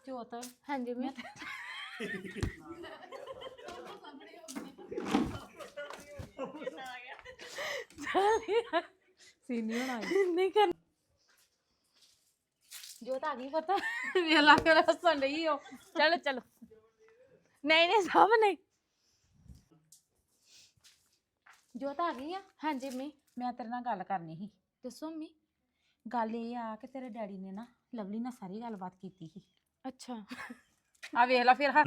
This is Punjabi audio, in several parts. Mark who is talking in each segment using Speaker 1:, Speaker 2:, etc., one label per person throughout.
Speaker 1: ਜੋਤ ਹਾਂਜੀ ਮੈਂ ਸੀਨੀਅਰ ਆ ਨਹੀਂ ਕਰ ਜੋਤ ਆ ਗਈ ਪਤਾ ਵੇਲਾ ਕੇ ਹੱਸਣ ਲਈ ਹੋ ਚਲੋ ਚਲੋ ਨਹੀਂ ਨਹੀਂ ਸਭ ਨਹੀਂ ਜੋਤ ਆ ਗਈ ਆ ਹਾਂਜੀ ਮੈਂ ਤੇਰੇ ਨਾਲ ਗੱਲ ਕਰਨੀ ਸੀ ਦੱਸੋ ਮੰਮੀ ਗੱਲ ਇਹ ਆ ਕਿ ਤੇਰੇ ਡੈਡੀ ਨੇ ਨਾ ਲਵਲੀ ਨਾਲ ਸਾਰੀ ਗੱਲਬਾਤ ਕੀਤੀ ਸੀ ਅੱਛਾ ਆ ਵੇਖ ਲੈ ਫਿਰ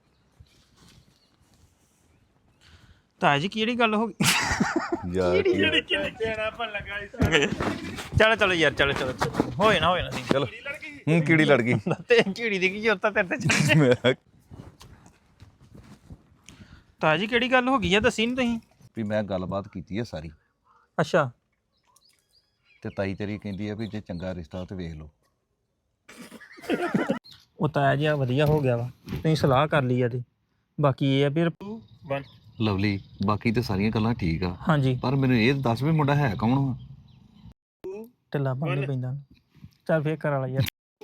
Speaker 2: ਤਾਂ ਜੀ ਕਿਹੜੀ ਗੱਲ ਹੋ ਗਈ ਚਲੋ ਚਲੋ ਯਾਰ ਚਲੋ ਚਲੋ ਹੋਏ ਨਾ ਸੀ
Speaker 3: ਚਲੋ ਹੂੰ ਕੀੜੀ ਲੜ ਗਈ
Speaker 2: ਤੇ ਕੀੜੀ ਦੀ ਕੀ ਜ਼ਰੂਰਤ ਆ ਤੇਰੇ ਤੇ ਤਾਂ ਜੀ ਕਿਹੜੀ ਗੱਲ ਹੋ ਗਈ ਆ ਦੱਸੀ ਨਹੀਂ ਤੁਸੀਂ
Speaker 3: ਵੀ ਮੈਂ ਗੱਲਬਾਤ ਕੀਤੀ ਹੈ ਸਾਰੀ
Speaker 2: ਅੱਛਾ
Speaker 3: ਤੇ ਤਾਈ ਤੇਰੀ ਕਹਿੰਦੀ ਆ ਵੀ ਜੇ ਚੰਗਾ ਰਿਸ਼ਤਾ ਤੇ ਵੇਖ ਲਓ
Speaker 2: ਉਹ ਤਾਂ ਜੀ ਵਧੀਆ ਹੋ ਗਿਆ ਵਾ ਤੁਸੀਂ ਸਲਾਹ ਕਰ ਲਈ ਆ ਤੇ ਬਾਕੀ ਇਹ ਆ ਫਿਰ
Speaker 3: ਲਵਲੀ ਬਾਕੀ ਤੇ ਸਾਰੀਆਂ ਗੱਲਾਂ ਠੀਕ ਆ
Speaker 2: ਹਾਂਜੀ
Speaker 3: ਪਰ ਮੈਨੂੰ ਇਹ ਦੱਸ ਵੀ ਮੁੰਡਾ ਹੈ ਕੌਣ ਵਾ
Speaker 2: ਢਿੱਲਾ ਬੰਨ ਪੈਂਦਾ ਚੱਲ ਫੇਰ ਕਰ ਵਾਲਾ ਯਾਰ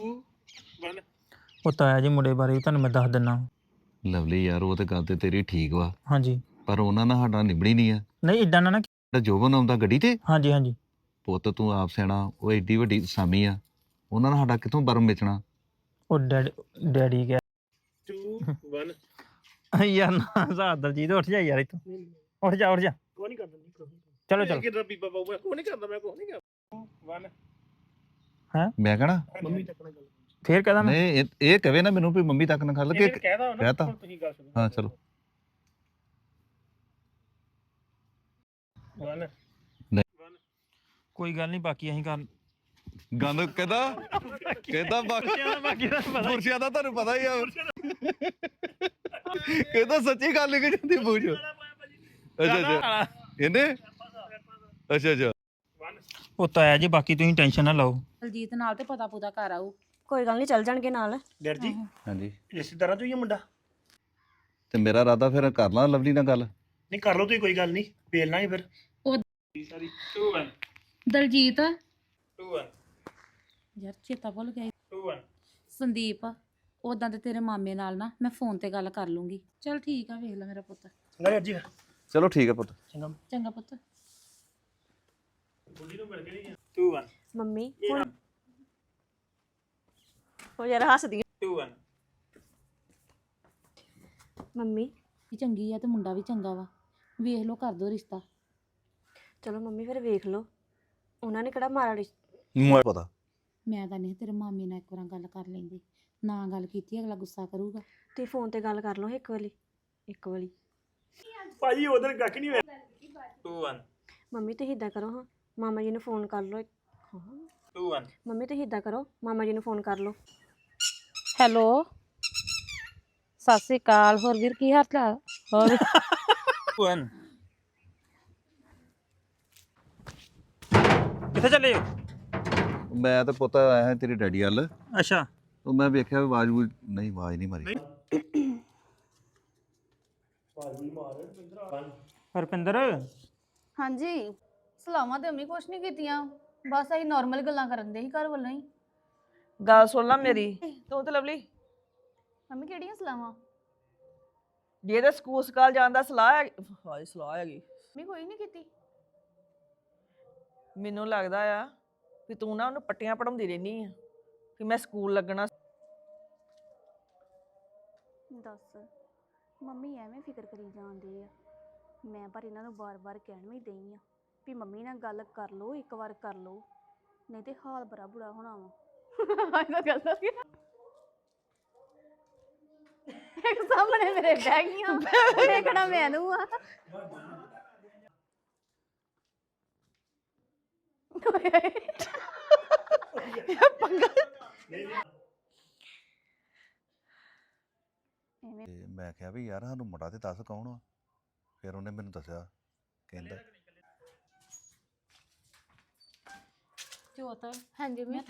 Speaker 2: ਉਹ ਤਾਂ ਜੀ ਮੁੰਡੇ ਬਾਰੇ ਵੀ ਤੁਹਾਨੂੰ ਮੈਂ ਦੱਸ ਦਿੰਦਾ
Speaker 3: ਲਵਲੀ ਯਾਰ ਉਹ ਤੇ ਗੱਲ ਤੇ ਤੇਰੀ ਠੀਕ ਵਾ
Speaker 2: ਹਾਂਜੀ
Speaker 3: ਪਰ ਉਹਨਾਂ ਨਾਲ ਸਾਡਾ ਨਿਬੜੀ ਨਹੀਂ ਆ
Speaker 2: ਨਹੀਂ ਇਦਾਂ ਨਾ
Speaker 3: ਜਿਹੜਾ ਜੋਬਨ ਆਉਂਦਾ ਗੱਡੀ ਤੇ
Speaker 2: ਹਾਂਜੀ ਹਾਂਜੀ
Speaker 3: ਪੁੱਤ ਤੂੰ ਆਪ ਸਿਆਣਾ ਉਹ ਏਡੀ ਵੱਡੀ ਸਾਮੀ ਆ ਉਹਨਾਂ ਨਾਲ ਸਾਡਾ ਕਿੱਥੋਂ ਬਰਮ ਵੇਚਣਾ
Speaker 2: ਉਹ ਡੈਡੀ ਗਿਆ 2 1 ਯਾਰ ਨਾ ਸਾਹ ਦਲਜੀਤ ਉੱਠ ਜਾ ਯਾਰ ਇੱਥੋਂ ਉੱਠ ਜਾ ਕੋਈ ਨਹੀਂ ਕਰਦਾ ਚਲੋ ਚਲੋ ਕਿਦਾਂ ਬੀਬਾ ਬਾਬੂ ਕੋਈ ਨਹੀਂ ਕਰਦਾ ਮੈਂ ਕੋਈ ਨਹੀਂ ਕਰਦਾ 1 ਹਾਂ
Speaker 3: ਮੈਂ ਕਹਣਾ
Speaker 2: ਮੰਮੀ ਤੱਕ ਨਾਲ ਗੱਲ ਫੇਰ ਕਹਦਾ ਮੈਂ
Speaker 3: ਨਹੀਂ ਇਹ ਕਵੇ ਨਾ ਮੈਨੂੰ ਵੀ ਮੰਮੀ ਤੱਕ ਨਾ ਖਾ ਲਗੇ ਕਹਤਾ
Speaker 2: ਤੁਸੀਂ ਗੱਲ ਸੁਣੋ
Speaker 3: ਹਾਂ ਚਲੋ
Speaker 2: 1 ਕੋਈ ਗੱਲ ਨਹੀਂ ਬਾਕੀ ਅਸੀਂ ਕਰ
Speaker 3: ਗੰਦ ਕਹਿੰਦਾ
Speaker 2: ਬਾਕੀ ਦਾ ਪਤਾ
Speaker 3: ਬੁਰਸ਼ਿਆਂ ਦਾ ਤੁਹਾਨੂੰ ਪਤਾ ਹੀ ਆ ਕਹਿੰਦਾ ਸੱਚੀ ਗੱਲ ਨਿਕਲ ਜਾਂਦੀ ਬੂਝ ਅੱਛਾ ਇਹਨੇ ਅੱਛਾ
Speaker 2: ਉਹ ਤਾਂ ਹੈ ਜੀ ਬਾਕੀ ਤੁਸੀਂ ਟੈਨਸ਼ਨ ਨਾ ਲਓ
Speaker 1: ਦਲਜੀਤ ਨਾਲ ਤੇ ਪਤਾ ਪੁਤਾ ਕਰ ਆਊ
Speaker 4: ਕੋਈ ਗੱਲ ਨਹੀਂ ਚੱਲ ਜਾਣਗੇ ਨਾਲ
Speaker 5: ਡਰ ਜੀ
Speaker 3: ਹਾਂਜੀ
Speaker 5: ਰਿਸ਼ਤੇਦਾਰਾਂ ਚੋਂ ਹੀ ਆ ਮੁੰਡਾ
Speaker 3: ਤੇ ਮੇਰਾ ਇਰਾਦਾ ਫਿਰ ਕਰ ਲਾਂ ਲਵਲੀ ਨਾਲ ਗੱਲ
Speaker 5: ਨਹੀਂ ਕਰ ਲਓ ਤੁਸੀਂ ਕੋਈ ਗੱਲ ਨਹੀਂ ਵੇਲ ਲਾਂਗੇ ਫਿਰ
Speaker 1: ਉਹ
Speaker 5: ਸਾਰੀ 2 1
Speaker 1: ਦਲਜੀਤ
Speaker 5: 2 1
Speaker 1: ਯਾਰ ਚੇਤਾ ਭੁੱਲ ਗਿਆ
Speaker 5: 2 1
Speaker 1: ਸੰਦੀਪ ਉਦਾਂ ਤੇ ਤੇਰੇ ਮਾਮੇ ਨਾਲ ਨਾ ਮੈਂ ਫੋਨ ਤੇ ਗੱਲ ਕਰ ਲੂੰਗੀ ਚਲ ਠੀਕ ਆ ਵੇਖ ਲੈ ਮੇਰਾ ਪੁੱਤ
Speaker 5: ਚੰਗਾ ਡਰ ਜੀ
Speaker 3: ਚਲੋ ਠੀਕ ਹੈ ਪੁੱਤ
Speaker 5: ਚੰਗਾ
Speaker 1: ਚੰਗਾ ਪੁੱਤ
Speaker 5: ਬੁੱਢੀ ਨੂੰ ਮਿਲ ਕੇ ਨਹੀਂ 2 1
Speaker 4: ਮੰਮੀ ਹੁਣ ਉਹ ਯਾਰ ਹੱਸਦੀ
Speaker 5: 2 1
Speaker 4: ਮੰਮੀ
Speaker 1: ਵੀ ਚੰਗੀ ਆ ਤੇ ਮੁੰਡਾ ਵੀ ਚੰਗਾ ਵਾ ਵੇਖ ਲਓ ਕਰ ਦੋ ਰਿਸ਼ਤਾ
Speaker 4: ਚਲੋ ਮੰਮੀ ਫਿਰ ਵੇਖ ਲਓ ਉਹਨਾਂ ਨੇ ਕਿਹੜਾ ਮਾਰਾ
Speaker 3: ਮੈਨੂੰ ਪਤਾ
Speaker 1: ਮੈਂ ਤਾਂ ਨਹੀਂ ਤੇਰੇ ਮਾਮੇ ਨਾਲ ਇੱਕ ਵਾਰ ਗੱਲ ਕਰ ਲੈਂਦੀ ਨਾ ਗੱਲ ਕੀਤੀ ਅਗਲਾ ਗੁੱਸਾ ਕਰੂਗਾ
Speaker 4: ਤੁਸੀਂ ਫੋਨ ਤੇ ਗੱਲ ਕਰ ਲਓ ਇੱਕ ਵਾਰੀ
Speaker 5: ਭਾਜੀ ਉਧਰ ਗੱਕ ਨਹੀਂ ਹੋਇਆ 2 1
Speaker 4: ਮੰਮੀ ਤੁਸੀਂ ਇਦਾਂ ਕਰੋ ਹਾਂ ਮਾਮਾ ਜੀ ਨੂੰ ਫੋਨ ਕਰ ਲਓ
Speaker 5: 2 1
Speaker 4: ਮੰਮੀ ਤੁਸੀਂ ਇਦਾਂ ਕਰੋ ਮਾਮਾ ਜੀ ਨੂੰ ਫੋਨ ਕਰ ਲਓ
Speaker 1: ਹੈਲੋ ਸਤਿ ਸ੍ਰੀ ਅਕਾਲ ਹੋਰ ਵੀਰ ਕੀ ਹਾਲ ਚਾਲ ਹੋਰ
Speaker 2: 2 1 ਕਿੱਥੇ ਚੱਲੇ ਹੋ
Speaker 3: ਮੈਂ ਤਾਂ ਪੁੱਤ ਆਇਆ ਹਾਂ ਤੇਰੀ ਡੈਡੀ ਵੱਲ
Speaker 2: ਅੱਛਾ
Speaker 3: ਉਹ ਮੈਂ ਵੇਖਿਆ ਵੀ ਆਵਾਜ਼ ਨਹੀਂ ਮਾਰੀ
Speaker 2: ਹਰਪਿੰਦਰ
Speaker 6: ਹਾਂਜੀ ਸਲਾਮਾਂ ਤੇ ਅੰਮੀ ਕੁਛ ਨਹੀਂ ਕੀਤੀਆਂ ਬਸ ਅਸੀਂ ਨਾਰਮਲ ਗੱਲਾਂ ਕਰਨ ਦੇ ਸੀ ਘਰ ਵੱਲੋਂ ਹੀ
Speaker 7: ਗੱਲ ਸੁਣ ਲੈ ਮੇਰੀ ਤੂੰ ਤੇ ਲਵਲੀ
Speaker 6: ਮੰਮੀ ਕਿਹੜੀਆਂ ਸਲਾਮਾਂ
Speaker 7: ਜੇ ਤੇ ਸਕੂਲ ਸਕਾਲ ਜਾਣ ਦਾ ਸਲਾਹ ਹੈ ਹਾਏ ਸਲਾਹ ਹੈਗੀ
Speaker 6: ਮੰਮੀ ਕੋਈ ਨਹੀਂ ਕੀਤੀ
Speaker 7: ਮੈਨੂੰ ਲੱਗਦਾ ਆ ਵੀ ਤੂੰ ਨਾ ਉਹਨੂੰ ਪੱਟੀਆਂ ਪੜਾਉਂਦੀ ਰਹਿਨੀ ਆ ਕਿ ਮੈਂ ਸਕੂਲ ਲੱਗਣਾ
Speaker 6: ਦੱਸ ਮੰਮੀ ਐਵੇਂ ਫਿਕਰ ਕਰੀ ਜਾਂਦੇ ਆ ਮੈਂ ਪਰ ਇਹਨਾਂ ਨੂੰ ਬਾਰ-ਬਾਰ ਕਹਿਣ ਵੀ ਦਈ ਆ ਵੀ ਮੰਮੀ ਨਾਲ ਗੱਲ ਕਰ ਲਓ ਇੱਕ ਵਾਰ ਕਰ ਲਓ ਨਹੀਂ ਤੇ ਹਾਲ ਬੜਾ ਬੁਰਾ ਹੋਣਾ ਵਾ ਇਹਨਾਂ ਗੱਲ ਦਾ ਇੱਕ ਸਾਹਮਣੇ ਮੇਰੇ ਬਹਿ ਗਈਆਂ ਦੇਖਣਾ ਮੈਨੂੰ ਆ
Speaker 3: ਤੇ ਮੈਂ ਕਿਹਾ ਵੀ ਯਾਰ ਸਾਨੂੰ ਮੁੰਡਾ ਤੇ ਦੱਸ ਕੌਣ ਆ ਫਿਰ ਉਹਨੇ ਮੈਨੂੰ ਦੱਸਿਆ ਕਹਿੰਦਾ
Speaker 1: ਜੋਤ ਹਾਂਜੀ ਮੈਂ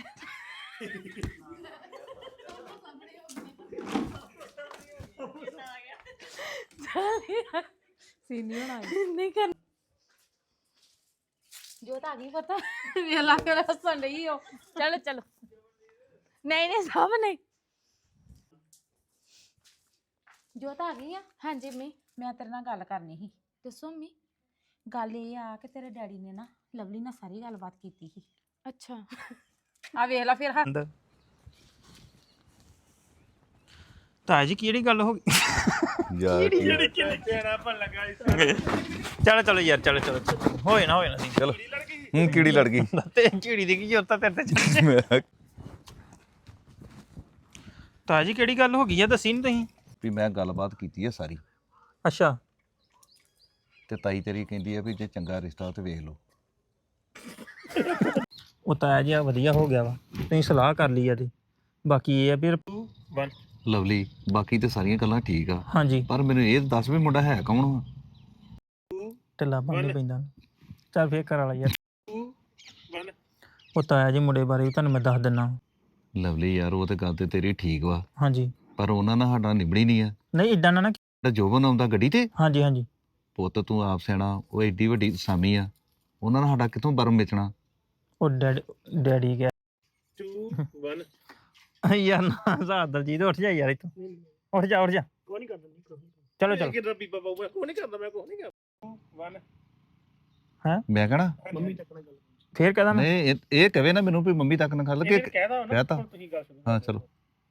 Speaker 1: ਸੀਨੀਅਰ ਆ ਨਹੀਂ ਕਰ ਜੋਤ ਆ ਗਈ ਪਤਾ ਵੇਲਾ ਕੇ ਹੱਸਣ ਲਈ ਹੋ ਚਲੋ ਚਲੋ ਨਹੀਂ ਨਹੀਂ ਸਭ ਨਹੀਂ ਜੋਤ ਆ ਗਈ ਆ ਹਾਂਜੀ ਮੰਮੀ ਮੈਂ ਤੇਰੇ ਨਾਲ ਗੱਲ ਕਰਨੀ ਸੀ ਦੱਸੋ ਮੰਮੀ ਗੱਲ ਇਹ ਆ ਕਿ ਤੇਰੇ ਡੈਡੀ ਨੇ ਨਾ ਲਵਲੀ ਨਾਲ ਸਾਰੀ ਗੱਲਬਾਤ ਕੀਤੀ ਸੀ ਅੱਛਾ ਆ ਵੇਖ ਲੈ ਫਿਰ
Speaker 2: ਤਾਇਆ ਜੀ ਕਿਹੜੀ ਗੱਲ ਹੋ ਗਈ
Speaker 3: ਯਾਰ
Speaker 5: ਜਿਹੜੀ ਕਿੰਨੇ ਤੇਰਾ ਭਲ ਲੱਗਾ ਇਸ
Speaker 2: ਚਲੋ ਚਲੋ ਯਾਰ ਚਲੋ ਚਲੋ ਹੋਏ ਨਾ ਸੀ
Speaker 3: ਚਲੋ ਹੂੰ ਕੀੜੀ ਲੜ ਗਈ
Speaker 2: ਤੇ ਝੀੜੀ ਦੀ ਕੀ ਜ਼ਰੂਰਤ ਆ ਤੇਰੇ ਤੇ
Speaker 3: ਮੈਂ
Speaker 2: ਤਾਇਆ ਜੀ ਕਿਹੜੀ ਗੱਲ ਹੋ ਗਈ ਆ ਦੱਸੀ ਨਹੀਂ ਤੁਸੀਂ
Speaker 3: ਵੀ ਮੈਂ ਗੱਲਬਾਤ ਕੀਤੀ ਹੈ ਸਾਰੀ
Speaker 2: ਅੱਛਾ
Speaker 3: ਤੇ ਤਾਈ ਤੇਰੀ ਕਹਿੰਦੀ ਹੈ ਵੀ ਜੇ ਚੰਗਾ ਰਿਸ਼ਤਾ ਤੇ ਵੇਖ ਲਓ
Speaker 2: ਉਹ ਤਾਇਆ ਜੀ ਆ ਵਧੀਆ ਹੋ ਗਿਆ ਵਾ ਤੁਸੀਂ ਸਲਾਹ ਕਰ ਲਈ ਆ ਤੇ ਬਾਕੀ ਇਹ ਆ ਫਿਰ
Speaker 3: ਲਵਲੀ ਬਾਕੀ ਤੇ ਸਾਰੀਆਂ ਗੱਲਾਂ ਠੀਕ ਆ
Speaker 2: ਹਾਂਜੀ
Speaker 3: ਪਰ ਮੈਨੂੰ ਇਹ ਦੱਸ ਵੀ ਮੁੰਡਾ ਹੈ ਕੌਣ ਵਾ
Speaker 2: ਢਿੱਲਾ ਬੰਦ ਪੈਂਦਾ ਚੱਲ ਫੇਰ ਕਰ ਵਾਲਾ ਯਾਰ ਉਹ ਤਾਇਆ ਜੀ ਮੁੰਡੇ ਬਾਰੇ ਵੀ ਤੁਹਾਨੂੰ ਮੈਂ ਦੱਸ ਦਿੰਦਾ
Speaker 3: ਲਵਲੀ ਯਾਰ ਉਹ ਤੇ ਗੱਲ ਤੇ ਤੇਰੀ ਠੀਕ ਵਾ
Speaker 2: ਹਾਂਜੀ
Speaker 3: ਪਰ ਉਹਨਾਂ ਨਾਲ ਸਾਡਾ ਨਿਬੜੀ ਨਹੀਂ ਆ
Speaker 2: ਨਹੀਂ ਇਦਾਂ ਨਾ
Speaker 3: ਜਿਹੜਾ ਜੋਬਨ ਆਉਂਦਾ ਗੱਡੀ ਤੇ
Speaker 2: ਹਾਂਜੀ ਹਾਂਜੀ
Speaker 3: ਪੁੱਤ ਤੂੰ ਆਪ ਸਿਆਣਾ ਉਹ ਏਡੀ ਵੱਡੀ ਸਾਮੀ ਆ ਉਹਨਾਂ ਨਾਲ ਸਾਡਾ ਕਿੱਥੋਂ ਬਰਮ ਵੇਚਣਾ
Speaker 2: ਉਹ ਡੈਡੀ ਗਿਆ
Speaker 5: 2 1
Speaker 2: ਯਾਰ ਨਾ ਸਾਹ ਦਲਜੀਤ ਉੱਠ ਜਾ ਯਾਰ ਇੱਥੋਂ ਉੱਠ ਜਾ
Speaker 5: ਕੋਈ ਨਹੀਂ ਕਰਦਾ ਨਹੀਂ
Speaker 2: ਚਲੋ ਚਲੋ
Speaker 5: ਕਿਦਾਂ ਬੀਬਾ ਬਾਬੂ ਕੋਈ ਨਹੀਂ ਕਰਦਾ ਮੈਂ ਕੋਈ ਨਹੀਂ ਕਰਦਾ 1
Speaker 3: ਮੈਂ ਕਹਣਾ
Speaker 5: ਮੰਮੀ ਤੱਕ ਨਾਲ ਗੱਲ
Speaker 2: ਫੇਰ ਕਹਦਾ ਮੈਂ
Speaker 3: ਨਹੀਂ ਇਹ ਕਵੇ ਨਾ ਮੈਨੂੰ ਵੀ ਮੰਮੀ ਤੱਕ ਨਾ ਖੱਲ ਕੇ
Speaker 5: ਕਹਿਦਾ ਨਾ
Speaker 3: ਕਹਿਤਾ
Speaker 5: ਤੁਸੀਂ ਗੱਲ ਸੁਣੋ
Speaker 3: ਹਾਂ ਚਲੋ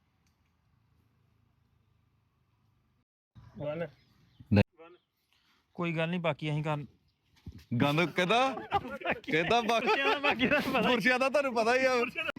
Speaker 5: 1
Speaker 2: ਕੋਈ ਗੱਲ ਨਹੀਂ ਬਾਕੀ ਅਸੀਂ ਕਰ
Speaker 3: ਗੰਦ ਕਹਿੰਦਾ ਬਾਕੀ ਪੁਰਸ਼ਿਆਂ ਦਾ ਤੁਹਾਨੂੰ ਪਤਾ ਹੀ ਆ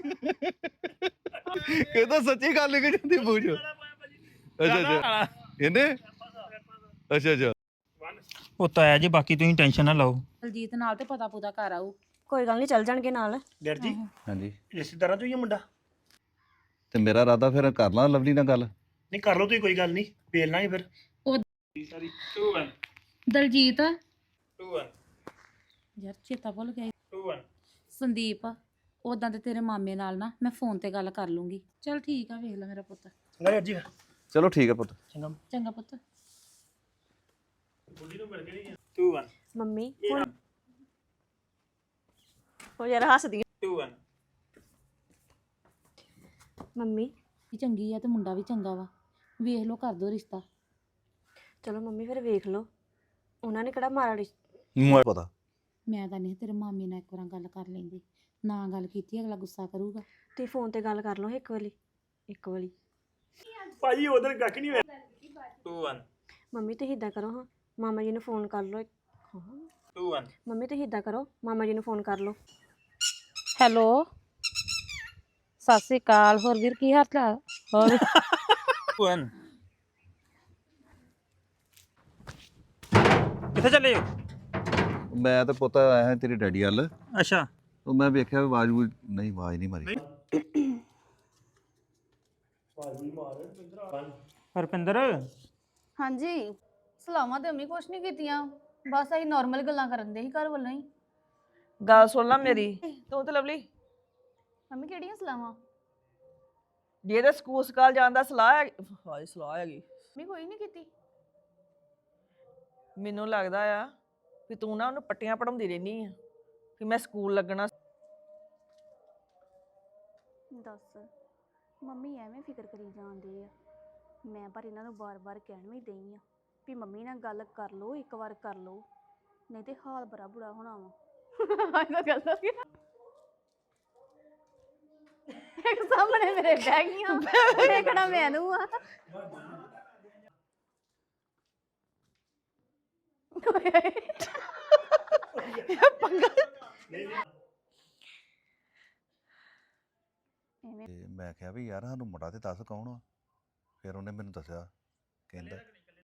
Speaker 3: ਕਹਿੰਦਾ ਸੱਚੀ ਗੱਲ ਨਿਕਲ ਜਾਂਦੀ ਬੂਝ ਅੱਛਾ ਇਹਨੇ ਅੱਛਾ
Speaker 2: ਉਹ ਤਾਇਆ ਜੀ ਬਾਕੀ ਤੁਸੀਂ ਟੈਨਸ਼ਨ ਨਾ ਲਓ
Speaker 1: ਦਲਜੀਤ ਨਾਲ ਤੇ ਪਤਾ ਪੁਤਾ ਕਰ ਆਊ
Speaker 4: ਕੋਈ ਗੱਲ ਨਹੀਂ ਚੱਲ ਜਾਣਗੇ ਨਾਲ
Speaker 5: ਡਰ ਜੀ
Speaker 3: ਹਾਂਜੀ
Speaker 5: ਰਿਸ਼ਤੇਦਾਰਾਂ ਚੋਂ ਹੀ ਆ ਮੁੰਡਾ
Speaker 3: ਤੇ ਮੇਰਾ ਇਰਾਦਾ ਫਿਰ ਕਰ ਲਾਂ ਲਵਲੀ ਨਾਲ ਗੱਲ
Speaker 5: ਨਹੀਂ ਕਰ ਲਓ ਤੁਸੀਂ ਕੋਈ ਗੱਲ ਨਹੀਂ ਵੇਲ ਲਾਂਗੇ ਫਿਰ
Speaker 1: ਉਹ
Speaker 5: ਸਾਰੀ 2 1
Speaker 1: ਦਲਜੀਤ
Speaker 5: 2 1
Speaker 1: ਯਾਰ ਚੇਤਾ ਭੁੱਲ ਗਿਆ
Speaker 5: 2 1
Speaker 1: ਸੰਦੀਪ ਉਦਾਂ ਤੇ ਤੇਰੇ ਮਾਮੇ ਨਾਲ ਨਾ ਮੈਂ ਫੋਨ ਤੇ ਗੱਲ ਕਰ ਲੂੰਗੀ ਚਲ ਠੀਕ ਆ ਵੇਖ ਲੈ ਮੇਰਾ ਪੁੱਤ
Speaker 5: ਚੰਗਾ ਜੀ
Speaker 3: ਚਲੋ ਠੀਕ ਹੈ ਪੁੱਤ
Speaker 5: ਚੰਗਾ
Speaker 1: ਚੰਗਾ ਪੁੱਤ
Speaker 5: ਬੁੱਢੀ ਨੂੰ ਮਿਲ ਗਈ 2 1
Speaker 4: ਮੰਮੀ ਹੁਣ ਉਹ ਯਾਰ ਹੱਸਦੀ
Speaker 5: 2 1
Speaker 4: ਮੰਮੀ
Speaker 1: ਵੀ ਚੰਗੀ ਆ ਤੇ ਮੁੰਡਾ ਵੀ ਚੰਗਾ ਵਾ ਵੇਖ ਲਓ ਕਰ ਦੋ ਰਿਸ਼ਤਾ
Speaker 4: ਚਲੋ ਮੰਮੀ ਫਿਰ ਵੇਖ ਲਓ ਉਹਨਾਂ ਨੇ ਕਿਹੜਾ ਮਾਰਾ
Speaker 3: ਮੈਨੂੰ ਪਤਾ
Speaker 1: ਮੈਂ ਤਾਂ ਨਹੀਂ ਤੇਰੇ ਮਾਮੇ ਨਾਲ ਇੱਕ ਵਾਰ ਗੱਲ ਕਰ ਲੈਂਦੀ ਨਾ ਗੱਲ ਕੀਤੀ ਅਗਲਾ ਗੁੱਸਾ ਕਰੂਗਾ
Speaker 4: ਤੁਸੀਂ ਫੋਨ ਤੇ ਗੱਲ ਕਰ ਲਓ ਇੱਕ ਵਾਰੀ
Speaker 5: ਭਾਜੀ ਉਧਰ ਗੱਕ ਨਹੀਂ ਹੋਇਆ 2 1
Speaker 4: ਮੰਮੀ ਤੁਸੀਂ ਇਦਾਂ ਕਰੋ ਹਾਂ ਮਾਮਾ ਜੀ ਨੂੰ ਫੋਨ ਕਰ ਲਓ
Speaker 5: 2 1
Speaker 4: ਮੰਮੀ ਤੁਸੀਂ ਇਦਾਂ ਕਰੋ ਮਾਮਾ ਜੀ ਨੂੰ ਫੋਨ ਕਰ ਲਓ
Speaker 1: ਹੈਲੋ ਸਤਿ ਸ੍ਰੀ ਅਕਾਲ ਹੋਰ ਵੀਰ ਕੀ ਹਾਲ ਚਾਲ ਹੋਰ
Speaker 2: 2 1 ਕਿੱਥੇ ਚੱਲੇ ਹੋ
Speaker 3: ਮੈਂ ਤਾਂ ਪੁੱਤ ਆਇਆ ਹਾਂ ਤੇਰੇ ਡੈਡੀ ਵੱਲ
Speaker 2: ਅੱਛਾ
Speaker 3: ਉਹ ਮੈਂ ਵੇਖਿਆ ਵੀ ਆਵਾਜ਼ ਨਹੀਂ ਮਾਰੀ
Speaker 2: ਹਰਪਿੰਦਰ
Speaker 6: ਹਾਂਜੀ ਸਲਾਮਾਂ ਤੇ ਅੰਮੀ ਕੁਛ ਨਹੀਂ ਕੀਤੀਆਂ ਬਸ ਅਸੀਂ ਨਾਰਮਲ ਗੱਲਾਂ ਕਰਨ ਦੇ ਸੀ ਘਰ ਵੱਲੋਂ ਹੀ
Speaker 7: ਗੱਲ ਸੁਣ ਲੈ ਮੇਰੀ ਤੂੰ ਤੇ ਲਵਲੀ
Speaker 6: ਮੰਮੀ ਕਿਹੜੀਆਂ ਸਲਾਮਾਂ
Speaker 7: ਜੇ ਤੇ ਸਕੂਲ ਸਕਾਲ ਜਾਣ ਦਾ ਸਲਾਹ ਹੈ ਹਾਏ ਸਲਾਹ ਹੈਗੀ
Speaker 6: ਮੰਮੀ ਕੋਈ ਨਹੀਂ ਕੀਤੀ
Speaker 7: ਮੈਨੂੰ ਲੱਗਦਾ ਆ ਵੀ ਤੂੰ ਨਾ ਉਹਨੂੰ ਪੱਟੀਆਂ ਪੜਾਉਂਦੀ ਰਹਿਨੀ ਆ ਕਿ ਮੈਂ ਸਕੂਲ ਲੱਗਣਾ
Speaker 6: ਦੱਸ ਮੰਮੀ ਐਵੇਂ ਫਿਕਰ ਕਰੀ ਜਾਂਦੇ ਆ ਮੈਂ ਪਰ ਇਹਨਾਂ ਨੂੰ ਬਾਰ-ਬਾਰ ਕਹਿਣ ਵੀ ਦਈ ਆ ਵੀ ਮੰਮੀ ਨਾਲ ਗੱਲ ਕਰ ਲਓ ਇੱਕ ਵਾਰ ਕਰ ਲਓ ਨਹੀਂ ਤੇ ਹਾਲ ਬੜਾ ਬੁਰਾ ਹੋਣਾ ਵਾ ਇਹਨਾਂ ਗੱਲ ਹੋ ਗਿਆ ਇੱਕ ਸਾਹਮਣੇ ਮੇਰੇ ਬਹਿ ਗਈਆਂ ਦੇਖਣਾ ਮੈਨੂੰ ਆ
Speaker 3: ਤੇ ਮੈਂ ਕਿਹਾ ਵੀ ਯਾਰ ਸਾਨੂੰ ਮੁੰਡਾ ਤੇ ਦੱਸ ਕੌਣ ਆ ਫਿਰ ਉਹਨੇ ਮੈਨੂੰ ਦੱਸਿਆ ਕਹਿੰਦਾ